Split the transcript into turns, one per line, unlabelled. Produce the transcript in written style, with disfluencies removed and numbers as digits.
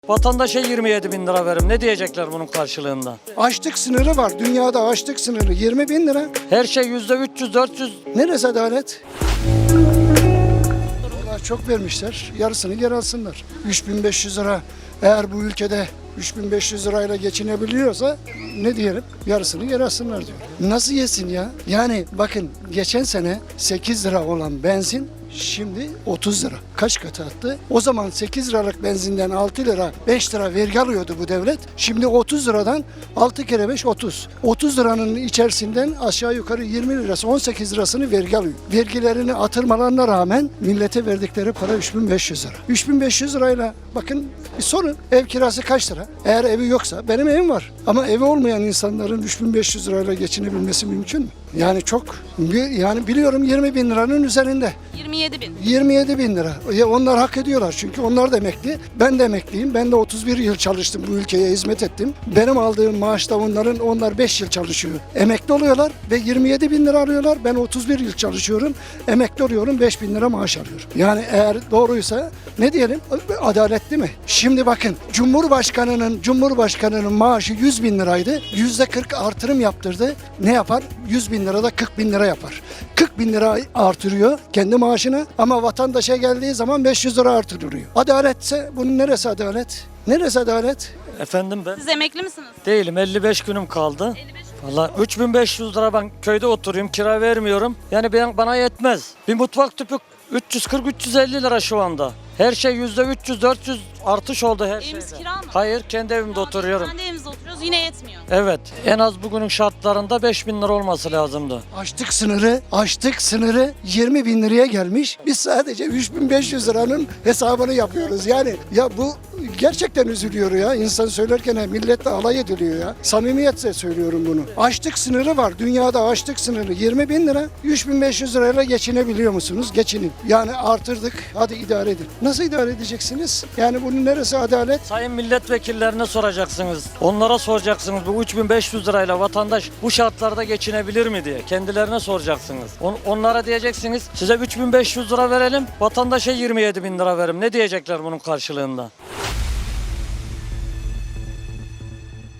Vatandaşa 27 bin lira verim. Ne diyecekler bunun karşılığında?
Açlık sınırı var. Dünyada açlık sınırı 20 bin lira.
Her şey %300-400.
Neresi adalet? Onlar çok vermişler. Yarısını geri alsınlar. 3500 lira. Eğer bu ülkede 3500 lirayla geçinebiliyorsa ne diyelim? Yarısını geri alsınlar diyor. Nasıl yesin ya? Yani bakın geçen sene 8 lira olan benzin şimdi 30 lira. Kaç katı attı? O zaman 8 liralık benzinden 6 lira 5 lira vergi alıyordu bu devlet. Şimdi 30 liradan 6 kere 5 30. 30 liranın içerisinden aşağı yukarı 20 lirası 18 lirasını vergi alıyor. Vergilerini atırmalarına rağmen millete verdikleri para 3500 lira. 3500 lirayla bakın bir sorun, ev kirası kaç lira? Eğer evi yoksa benim evim var. Ama evi olmayan insanların 3500 lirayla geçinebilmesi mümkün mü? Yani çok, yani biliyorum 20 bin liranın üzerinde.
27 bin.
27 bin lira. Ya onlar hak ediyorlar çünkü onlar da emekli. Ben de emekliyim. Ben de 31 yıl çalıştım, bu ülkeye hizmet ettim. Benim aldığım maaşta onlar 5 yıl çalışıyor. Emekli oluyorlar ve 27 bin lira alıyorlar. Ben 31 yıl çalışıyorum. Emekli oluyorum, 5 bin lira maaş alıyorum. Yani eğer doğruysa ne diyelim? Adaletli mi? Şimdi bakın Cumhurbaşkanının maaşı 100 bin liraydı. %40 artırım yaptırdı. Ne yapar? 100 bin lirada 40 bin lira yapar. 40 bin lira artırıyor kendi maaşına ama vatandaşa geldiği zaman 500 lira artırılıyor. Adaletse bunun neresi adalet? Neresi adalet?
Efendim ben
Siz emekli misiniz?
değilim. 55 günüm kaldı.
55.
Valla 3500 lira ben köyde oturuyorum. Kira vermiyorum. Yani bana yetmez. Bir mutfak tüpü 340-350 lira şu anda. Her şey %300-400 artış oldu her
Eviniz
şeyde.
kira mı?
Hayır, kendi evimde oturuyorum.
Kendi evimizde oturuyoruz yine yetmiyor.
Evet, en az bugünün şartlarında 5000 lira olması lazımdı.
Açlık sınırı 20 bin liraya gelmiş. Biz sadece 3500 liranın hesabını yapıyoruz. Yani ya bu gerçekten üzülüyor ya. İnsan söylerken milletle alay ediliyor ya. Samimiyetle söylüyorum bunu. Açlık sınırı var. Dünyada açlık sınırı 20 bin lira. 3500 lirayla geçinebiliyor musunuz? Geçinin. Yani artırdık. Hadi idare edin. Nasıl idare edeceksiniz? Yani bunun neresi adalet?
Sayın milletvekillerine soracaksınız. Onlara soracaksınız bu 3500 lirayla vatandaş bu şartlarda geçinebilir mi diye. Kendilerine soracaksınız. Onlara diyeceksiniz size 3500 lira verelim, vatandaşa 27 bin lira verim. Ne diyecekler bunun karşılığında?